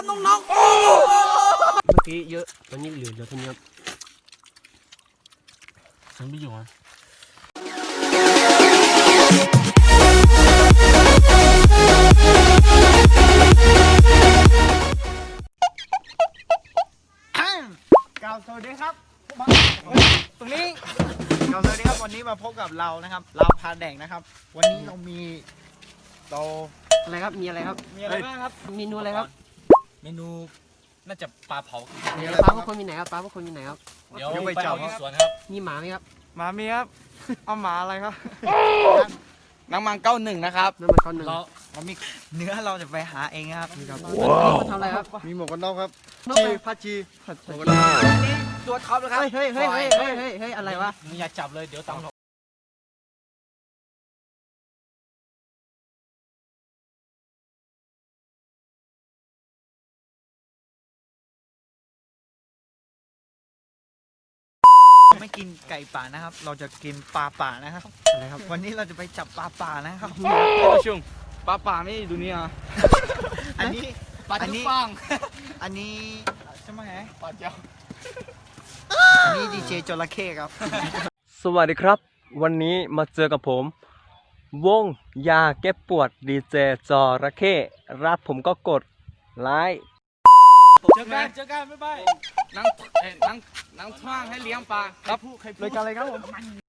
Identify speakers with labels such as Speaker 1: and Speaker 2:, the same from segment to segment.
Speaker 1: ครับน้องๆเมื่อกี้เยอะตอนนี้เหลือเท่านี้ครับฉันไม่อยู่อ่ะ
Speaker 2: กล่าวสวัสดีครับตรงนี้กล่าวสวัสดีครับวันนี้มาพบกับเรานะครับเราพาแดงนะครับวันนี้เรามี
Speaker 1: อะไรครับมีอะไรครับ
Speaker 2: มีอะไรบ้างครับ
Speaker 1: เมนูอะไรครับ
Speaker 3: เมนูน่าจะปลาเผา
Speaker 1: ปลาพวกคนมีไหนครับปลาพวกคนมีไหนครับ
Speaker 3: เดี๋ยวไปจับที่สวนครับ
Speaker 1: มีหมาไหมครับ
Speaker 2: หมามีครับเอาหมาอะไรครับ
Speaker 3: น้ำมัน91นะครับ
Speaker 1: น้ำมันก้อนหนึ่ง
Speaker 2: เรามีเนื้อเราจะไปหาเองครับ
Speaker 1: ว้าวทำอะไรครับ
Speaker 2: มีหมวกกันน็อกครับผัดชี
Speaker 1: นี่ตัวท็อปเลยครับเฮ้ยอะไรวะ
Speaker 3: มึงอย่าจับเลยเดี๋ยวตำ
Speaker 2: ไม่กินไก่ป่านะครับเราจะกินปลาป่านะครับ
Speaker 1: อะไรครับ
Speaker 2: วันนี้เราจะไปจับปลาป่านะครับ
Speaker 3: ชุ่มปลาป่าไม่ดูนี่อ่ะ
Speaker 2: อันนี้
Speaker 3: ปลาจุ๊บฟัง
Speaker 2: อันนี้ใช่ไหม
Speaker 3: ปลาเจ้า
Speaker 2: อันนี้ดีเจจระเข้ครับ
Speaker 4: สวัสดีครับวันนี้มาเจอกับผมวงยาแก้ปวดดีเจจระเข้รับผมก็กดไลค์
Speaker 3: เจอกันบ๊ายบายนั่งท่างให้เลี้ยงปลา
Speaker 2: ครับรายการอะไรครับผม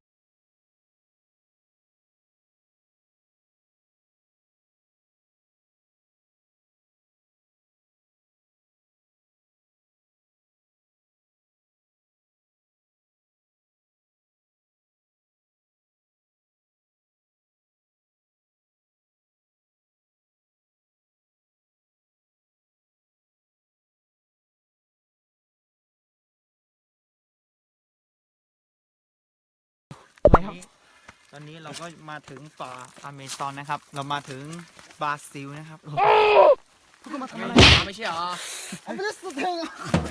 Speaker 2: ตอนนี้เราก็มาถึงป่าอเมซอนนะครับเรามาถึงบราซิลนะครับพวกมาทำอะไร
Speaker 3: ไม่ใช่หรอ
Speaker 2: ไม่ได้สุดเอง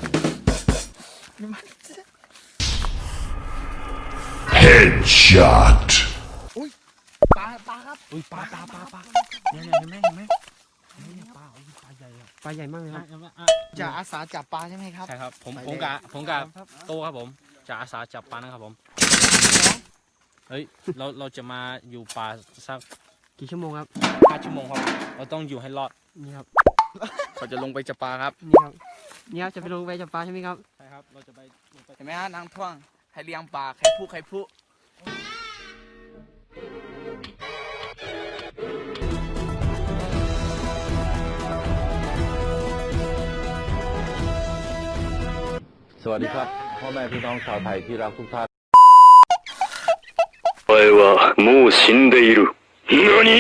Speaker 5: Headshot
Speaker 2: อุ้ยปลาครับ
Speaker 1: อุ้ยปลา
Speaker 2: เนี่ยเห็นไหม
Speaker 1: ปลาใหญ่มากเลยครับ
Speaker 2: จะอาสาจับปลาใช่ไหมครับ
Speaker 3: ใช่ครับผมกะโตครับผมจะอาสาจับปลานะครับผมเฮ้ยเราจะมาอยู่ป่าสัก
Speaker 1: กี่ชั่วโมงครับ
Speaker 3: 5 ชั่วโมงครับเราต้องอยู่ให้รอด
Speaker 1: นี่ครับ
Speaker 3: เราจะลงไปจับปลาครับ
Speaker 1: นี่ครับจะไปลงไปจับปลาใช่ไหมครับ
Speaker 3: ใช่ครับเราจะไปเห็นไหมฮะนางท่วงให้เลี้ยงปลาใครพู
Speaker 5: สวัสดีครับพ่อแม่พี่น้องชาวไทยที่รักทุกท่าน
Speaker 6: お前はもう死んでいる。何？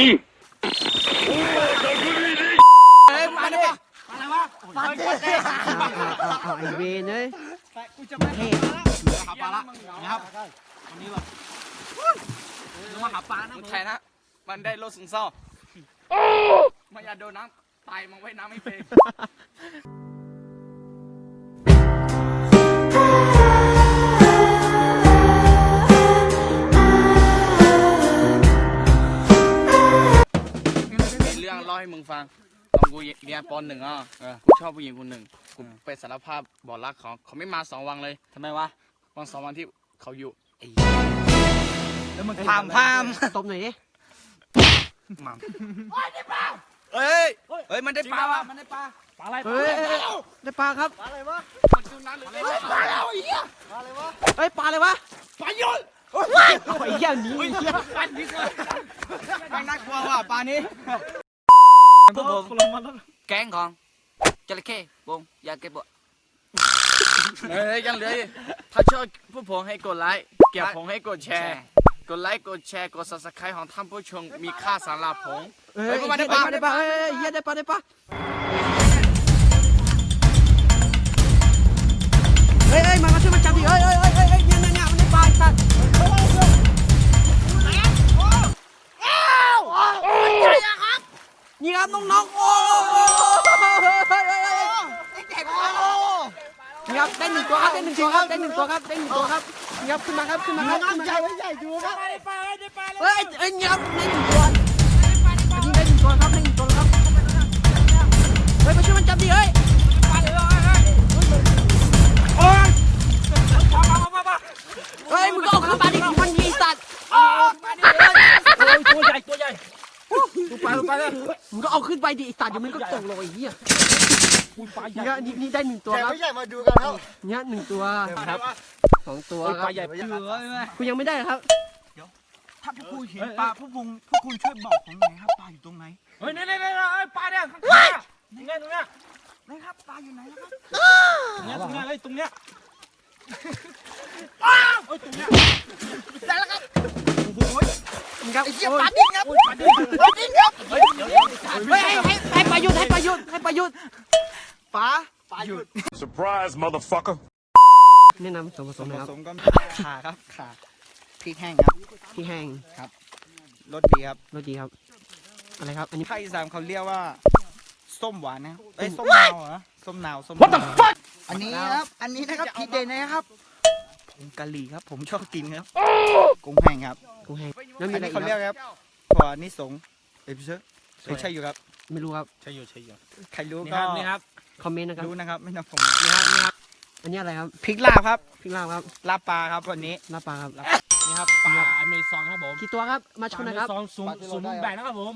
Speaker 1: ไอเวนเลยเท่
Speaker 3: หาปลาละนะครับวันนี้แบบมาหาปลานะไทยนะมันได้รถซึมเศร้ามันอย่าโดนน้ำตายมันไว้น้ำไม่เป็นเรื่องเล่าให้มึงฟังตอนกูเรียนป.1อ่ะกูชอบผู้หญิงคนหนึ่งกูไปสารภาพบอกรักเขาไม่มา2 วันเลยทำไมวะวัน2 วันที่เขาอยู่
Speaker 2: แล้วมึง
Speaker 3: พาม
Speaker 1: ตบหน่อยดิ
Speaker 3: มัมเฮ้ยมันได้ปลาวะมันได้ปลาอะไร
Speaker 1: ได้ปลาครับ
Speaker 2: ปลาอะไรวะ
Speaker 3: มันจุน้ำหรือ
Speaker 2: ปลาแล้วไอ้เหี้ยปลาอะไรวะ
Speaker 1: เฮ้ยปลาอะไรวะ
Speaker 3: ปลาโยน
Speaker 1: ไอ้เหี้ยนี้
Speaker 3: อันนี้มันน่ากลัวว่ะปลานี้พวกผมแก๊งของจระเข้วงยาเก็บบ่เฮ้ยยังเหลือถ้าชอบพวกผมให้กดไลค์เกี่ยวผมให้กดแชร์กดไลค์กดแชร์กด Subscribe ของท่านผู้ชมมีค่าสำหรับผม
Speaker 1: เฮ้ยมาได้ปลาเฮ้ยเฮียได้ปลาเฮ้ยมาช่วยมาจับดิเฮ้ยเนี่ยมันได้ปลานี่ครับน้องๆโอ้นี่ครับได้1 ตัวครับได้1 ตัวครับนี่ครับขึ้นมาครับ
Speaker 2: ใหญ่ดูครับ
Speaker 1: เฮ้ยนี่ครับได้1 ตัวอันนี้ได้1 ตัวครับได้1 ตัวครับเฮ้ยมาช่วยมันจับดิเฮ้ยเฮ้ยมึงก็เอาขึ้นมาดิมันมีสัตว์ตัวใหญ่ลงไปเลยมึงก็เอาขึ้นไปดิไอ้สัตว์เดี๋ยวมันก็ตกลงไอ้เหี้ยเนี่ยนี่ได้1ตัว
Speaker 2: แต่
Speaker 1: ครับ
Speaker 2: ไม่ใช่มาดูกันครับ
Speaker 1: เนี่ย1ตัวครับ2 ตัวครับ
Speaker 2: ปลาใหญ่
Speaker 1: คุณยังไม่ได้ครับ
Speaker 2: ถ้าพวกคุณเห็นปลาพวกคุณช่วยบอกผมหน่อยครับปลาอยู่ตรงไหน
Speaker 3: เฮ้ยนี่ปลาเนี่ยข้างๆนี่ไงตรงเนี้ย
Speaker 2: นะครับปลาอยู่ไหนนะครับ
Speaker 3: ตรงเนี้ยเฮ้ยตรงเนี้ย
Speaker 2: ได้แล้วครับ
Speaker 1: ครับ
Speaker 2: ไอ้เหี้ยปลาดิ้นครับปลาดิ้นครับ
Speaker 1: เฮ้ยให้ประยุทธ์ปลาหยุด
Speaker 6: Surprise, motherfucker.
Speaker 1: แนะนำส่วนผสมนะครับ
Speaker 2: ผสมก็ขาครับขาพริกแห้งครับ
Speaker 1: ที่แห้ง
Speaker 2: รสดีครับ
Speaker 1: รสดีครับอะไรครับอันนี้
Speaker 2: ภาคอีสานเขาเรียกว่าส้มหวานนะเอ้ยส้มนาวเหรอส้มนาวWhat the fuck อันนี้นะครับอันนี้นะครับทีเด็ดนะครับผงกะหรี่ครับผมชอบกินครับกุ้งแห้งครับ
Speaker 1: กุ้งแห้งแล้วมี
Speaker 2: อัน
Speaker 1: อะไร
Speaker 2: นี้
Speaker 1: อีก
Speaker 2: เขา
Speaker 1: ค
Speaker 2: เรียก
Speaker 1: รับ
Speaker 2: ครับถั่วนิสงเอพิเซอร์ใช่อยู่ครับ
Speaker 1: ไม่รู้ครับ
Speaker 3: ใช่อยู่
Speaker 2: ใครรู้
Speaker 3: นี่
Speaker 2: ก็
Speaker 3: ครับนี่ครับ
Speaker 1: คอมเมนต์นะครับ
Speaker 2: รู้นะครับไม่ต้องผม
Speaker 1: อันนี้อะไรครับ
Speaker 2: พริกลาบครับ
Speaker 1: พริกลาบครับ
Speaker 2: ลาบปลาครับวันนี้
Speaker 1: ลาบปลาครับ
Speaker 3: นี่ครับปลาอเมซอนครับผม
Speaker 1: กี่ตัวครับมาชนหนะครับ
Speaker 3: ซอนสูงแบ่งนะครับผม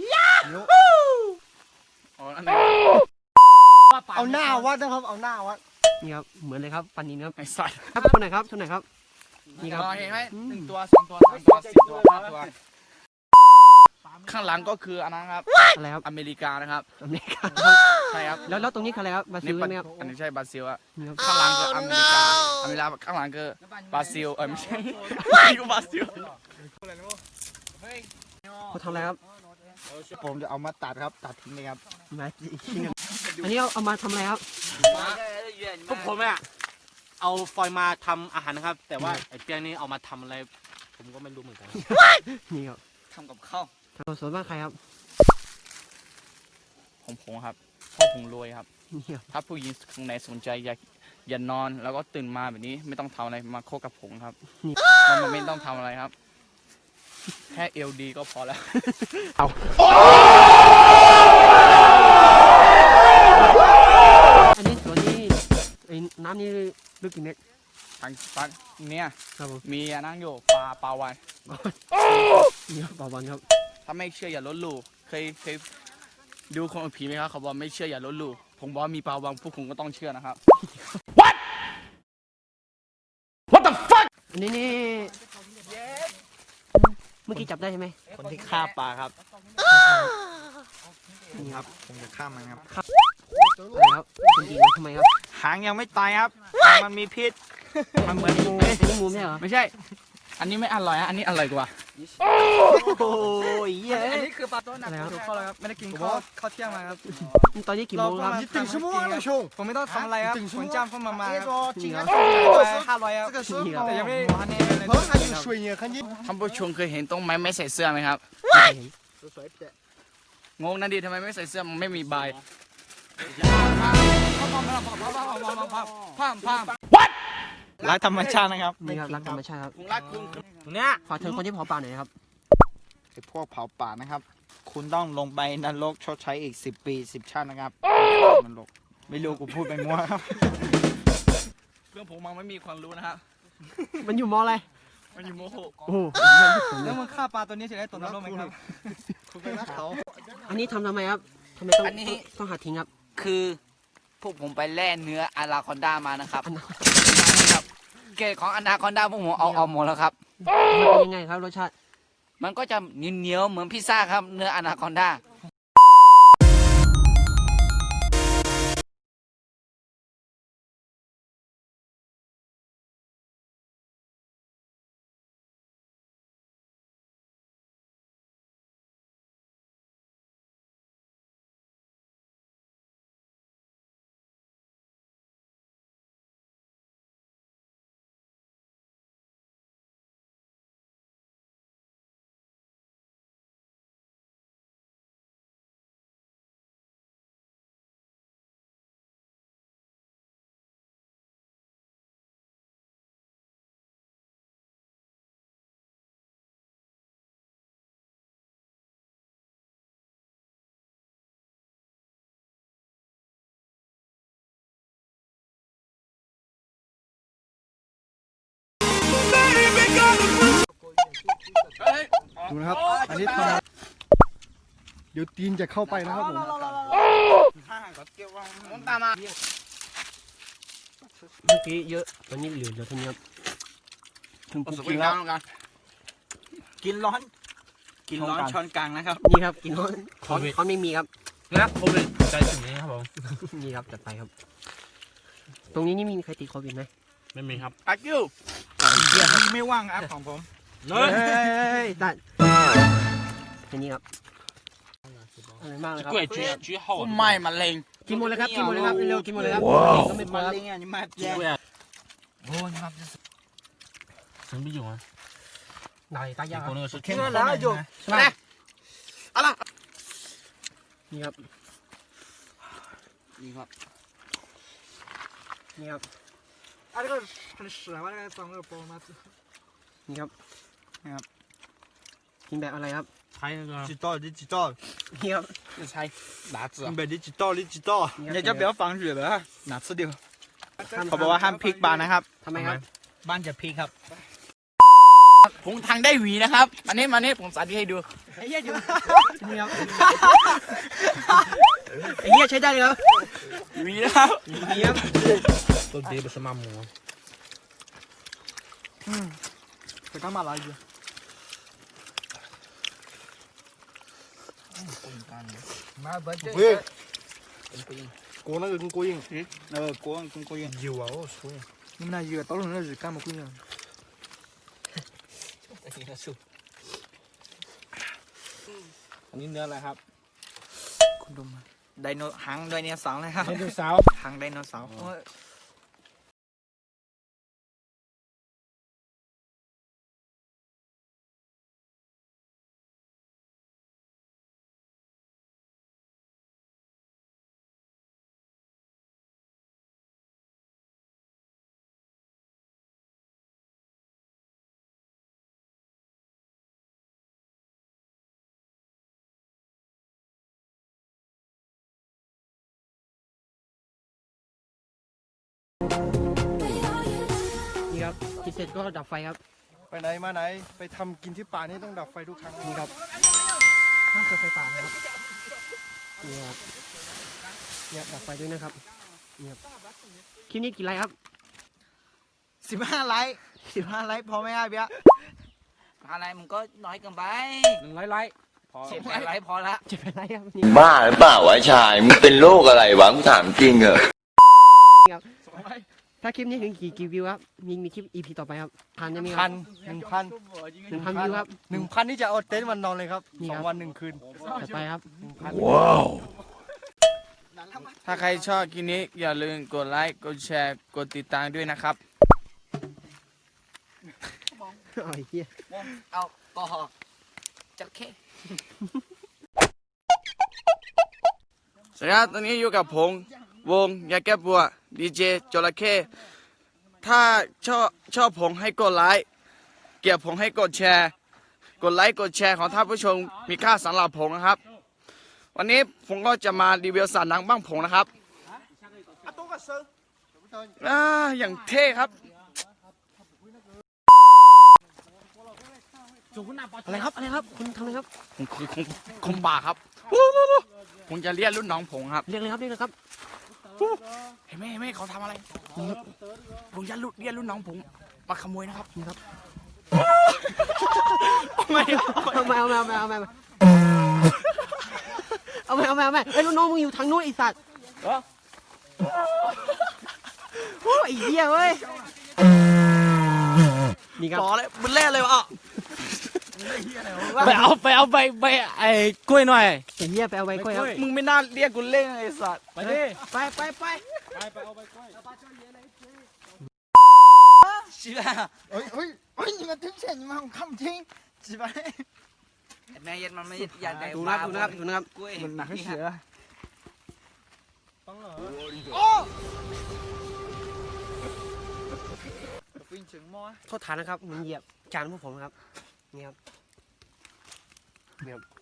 Speaker 2: เอาหน้าวัดนะครับเอาหน้าวัด
Speaker 1: นี่ครับเหมือนเลยครับปันนินครับ
Speaker 3: ไอ้สัตว์
Speaker 1: ครับชนไหนครับชนไหนครับนี่ครับ
Speaker 3: เห็นไหม1 ตัว 2 ตัว 3 ตัว 4 ตัว 5 ตัวข้างหลังก็คืออันนั้นครับ
Speaker 1: อะไรครับ
Speaker 3: อเมริกานะครับ
Speaker 1: อเมริกา
Speaker 3: ใช่ครับ
Speaker 1: แล้วตรงนี้คืออะไรครับบราซิลใช่ไหมครับ
Speaker 3: อันนี้ใช่บราซิลอะ
Speaker 1: นี่ครับ
Speaker 3: ข้างหลังคืออเมริกาข้างหลังคือบราซิลไม่ใช่นี่ก็บราซิล
Speaker 1: เขาทำอะไรครับ
Speaker 2: ผมจะเอามาตัดครับตัดทิ้งเลยครับ
Speaker 1: มาอีกทีหนึงอันนี้เอามาทำอะไรครับ
Speaker 7: พวกผมเนี่ยเอาฟอยล์มาทำอาหารนะครับ แต่ว่าไอ้เปียงนี่เอามาทำอะไร ผมก็ไม่รู้เหมือนกัน
Speaker 1: นี่ครับ
Speaker 3: ทำกับข้าว
Speaker 1: ทำส่วนบ้านใครครับ
Speaker 3: ของผมครับพ่อผมรวยครับ
Speaker 1: นี่ครับ
Speaker 3: ถ้าผู้หญิงข้างในสนใจอย่านอนแล้วก็ตื่นมาแบบนี้ไม่ต้องทำอะไรมาโคกับผมครับมันไม่ต้องทำอะไรครับ แค่เอลดีก็พอแล้ว
Speaker 1: อันนี้ส่วนนี้ไอ้น้ำนี่ลึกกี่เมตร
Speaker 3: ทางฝั่งเนี่ย
Speaker 1: ครับผม
Speaker 3: มีอันนั่งอยู่ปลาวาน
Speaker 1: นี่ครับต่อบอลครับ
Speaker 3: ถ้าไม่เชื่ออย่าลบหลู่เคยดูคนผีไหมครับเขาบอกไม่เชื่ออย่าลบหลู่ผมบอกว่ามีปลาวานพวกคุณก็ต้องเชื่อนะครับ
Speaker 1: อันนี้นี่เมื่อกี้จับได้ใช่ไหม
Speaker 2: คนที่ฆ่าปลาครับ
Speaker 1: นี่ครับ
Speaker 2: ผมจะฆ่ามันครับ
Speaker 1: อะไรครับคนดีทำไมครับ
Speaker 2: หางยังไม่ตายครับหางมันมีพิษมันเหมือนงู
Speaker 1: อันนี้มูไม่ใช่เหรอ
Speaker 3: ไม่ใช่ อันนี้ไม่อร่อยอันนี้อร่อยกว่า
Speaker 1: โอ้ยเย้
Speaker 2: อันนี้คือปลาต้นหนัก
Speaker 1: อะไรครับ
Speaker 2: ถูกข้อแล้วครับไม่ได้กินข้าวเที่ยงมาครับ
Speaker 1: ตอนนี้กี่โมงครับ
Speaker 2: ถึงชั่วโมงแล้วชงผมไม่ต้องทำอะไรครับผมจ้างเข้ามาครับ
Speaker 1: จริงครับ
Speaker 2: 500ครับแต่ยังไม่ทันเนี่ยเลย
Speaker 3: ท่านผู้ชมเคยเห็นต้นไม้ไม่ใส่เสื้อไหมครับ งงนะดิทำไมไม่ใส่เสื้อมันไม่มีใบ
Speaker 2: รักธรรมชาตินะครับ
Speaker 1: นี่ครับรักธรรมชาติครับ
Speaker 3: ผมรักคุณ
Speaker 7: ตรงเนี้ย
Speaker 1: ฝากถึงคนที่เผาป่าหน่อยครับ
Speaker 2: ไอ้พวกเผาป่านะครับ คุณต้องลงไปนรกชดใช้อีก10 ปี10 ชาตินะครับนรกไม่รู้กูพูดไปมั่วครับ
Speaker 3: เรื่องผมมันไม่มีความรู้นะครับ
Speaker 1: มันอยู่มออะไร
Speaker 3: มันอยู่โมโห
Speaker 1: โอ้โห
Speaker 2: แล้วมึงฆ่าปลาตัวนี้จะได้ตัวนรกไหมครับคุณไปรักเขา
Speaker 1: อันนี้ทำไมครับทำไมต้องต้องหาทิ้งครับ
Speaker 3: คือพวกผมไปแล่เนื้ออนาคอนดามานะครับเกรดของอนาคอนดาพวกผมเอาหมดแล้วครับ
Speaker 1: มันเป็นยังไงครับรสชาติ
Speaker 3: มันก็จะเหนียวๆเหมือนพิซซ่าครับเนื้ออนาคอนดา
Speaker 8: ดูนะครับ อันนี้ทำเดี๋ยวตีนจะเข้าไปนะครับผม
Speaker 1: เมื่อกี้เยอะวันนี้เหลือเท่านี้ครับถึงกูกินแล้ว
Speaker 2: กินร้อนช้อนกลางนะครับ
Speaker 1: นี่ครับกินเขาเขาไม่มีครับ
Speaker 7: นะโควิดใจถึงนี้ครับผม
Speaker 1: นี่ครับจัดไปครับ ตรงนี้นี่มีใครติดโควิดไหม
Speaker 7: ไม่มีครับ
Speaker 2: อักยูมีไม่ว่างครับของผม
Speaker 7: เล
Speaker 1: เฮ้
Speaker 7: ย
Speaker 1: ยตัดแค่นี้ครับอร่อยมากเลยครับ
Speaker 7: กล้วยชี้ห่อ
Speaker 2: ไม่มะเร็ง
Speaker 1: กินหมดเลยครับกินหมดเลยครับเร็วๆกินหมดเลยครับก็ไม่พอ
Speaker 2: มะ
Speaker 1: ครับ
Speaker 2: เร็งอ่ะนี่มาแย่
Speaker 7: กล้วยโอ้ยครับฉันไม่อยู่อ่ะ
Speaker 1: ไหนตายากค
Speaker 7: ค
Speaker 1: รั
Speaker 7: น
Speaker 1: บ
Speaker 7: นึงฉัน
Speaker 2: เชื่อแล้วอยู่
Speaker 1: นี่ครับ
Speaker 2: นี่ครับ
Speaker 1: นี่ครับ
Speaker 8: อันนี้ก็很屎啊，那个脏了包嘛。
Speaker 1: นี่ครับกินแบบอะไรครับ
Speaker 7: ใช้那个
Speaker 8: 几道？你几道？
Speaker 1: นี่ครับ
Speaker 7: ใช้หลาจืด
Speaker 8: 你买你几道？你几道？
Speaker 2: อย่าจะเบี้ยวฟังอยู่เหรอหนาสุดเดียวเขาบอกว่าห้ามพลิกบ้านนะครับ
Speaker 1: ทำไมครับ
Speaker 2: บ้านจะพลิกครับ
Speaker 3: ผมทางได้หวีนะครับอันนี้มานี่ผมสาธิตให้ดู
Speaker 1: ไอ้เหี้ยอยู่นี่ครับไอ้เหี้ยใช้ได้เลยครับ
Speaker 3: หวีนะครับ
Speaker 1: นี่ครับ
Speaker 7: ต้นดีเป็นสมามหมู
Speaker 8: ไป干嘛来着？喂，过那个跟过瘾。
Speaker 2: โกงกุ้งกุ้ง
Speaker 8: 有啊，我说。你们那有到了那是干嘛鬼呢？
Speaker 7: อันนี้เนื้ออะไรครับ
Speaker 2: คุณดูมาไดโนหางไดโนเสาร์นะครับ
Speaker 7: ไดโนเสาร์
Speaker 2: หางไดโนเสาร์
Speaker 1: นี่ครับกินเสร็จก็ดับไฟครับ
Speaker 8: ไปไหนมาไหนไปทำกินที่ป่านี่ต้องดับไฟทุกครั้ง
Speaker 1: นี่ครับห้ามเกิดไฟป่านะครับนี่ครับเนี่ยดับไฟด้วยนะครับนี่ครับคลิปนี้กี่ไลค์ครับ
Speaker 2: 15 ไลค์15 ไลค์พอไหมครับเบี้ย
Speaker 3: อะไรมึงก็น้อยเกินไป
Speaker 7: 100 ไลค์พอ
Speaker 3: 10 ไลค์พอละ
Speaker 1: จะเป็นไรครับนี่
Speaker 5: บ้าหรือเปล่าวะชายมึงเป็นโรคอะไรวะกูถามจริงเหรอ
Speaker 1: ถ้าคลิปนี้ถึงกี่วิวครับมีคลิป EP ต่อไปครับพันจะมีค
Speaker 8: พั
Speaker 1: รับ
Speaker 8: น1,000
Speaker 1: 1,000 วิวครับ
Speaker 8: 1,000นี่จะเอาเต็นท์วันนอนเลยครับ
Speaker 1: นี่ครับ
Speaker 8: 2 วัน 1 คืน
Speaker 1: ต่อไปครับ
Speaker 3: ถ้าใครชอบคลิปนี้อย่าลืมกดไลค์กดแชร์กดติดตามด้วยนะครับ
Speaker 1: อ๋อไอ้เหี้ย
Speaker 3: เอาก็จัดเคสวัสดีครับตอนนี้อยู่กับผมวงยาแก้ปวดดีเจจระเข้ถ้าชอบผมให้กดไลค์เกลียดผมให้กดแชร์ กดไลค์กดแชร์ของท่านผู้ชมมีค่าสำหรับผมนะครับ วันนี้ผมก็จะมารีวิวสัตว์หนังบ้างผมนะครับอย่างเท่ครับ
Speaker 1: อะไรครับอะไรครับคุณทำอะไรครับ
Speaker 3: ผมบาครับผมจะเรียกรุ่นน้องผมครับ
Speaker 1: เรียกเลยครับเรียกเลยครับ
Speaker 3: เห็นไหมเขาทำอะไรผมจะเรียกรุ่นน้องผมมาขโมยนะครับ
Speaker 1: นี่ครับ
Speaker 3: ไม่
Speaker 1: เอาไม่ไอ้ยลูกน้องมึงอยู่ทางนู้นไอ้สัตว์โอ้ยไอ้เหี้ยเว้ยนี่ครับ
Speaker 3: ต่อเลยมันแรกเลยวะ
Speaker 7: ไปเอาใบไอ้กล้วยหน่อย
Speaker 1: ไอ้เหี้ยไปเอาใบกล้วยครับ
Speaker 3: มึงไม่น่าเรียกกูเล่นไอ้สัตว์
Speaker 7: ไปดิ
Speaker 1: ไป
Speaker 3: ชิบะ
Speaker 2: 哎，你们对不起，你们我看不清，几百。
Speaker 3: แม่เย็นมันไม่อยากได้
Speaker 1: ดูนะครับ
Speaker 3: กล้วย
Speaker 2: มันหนักเสือฟินถึงมอ
Speaker 1: โทษฐานนะครับมึงเหยียบจานพวกผมครับนี่ครับ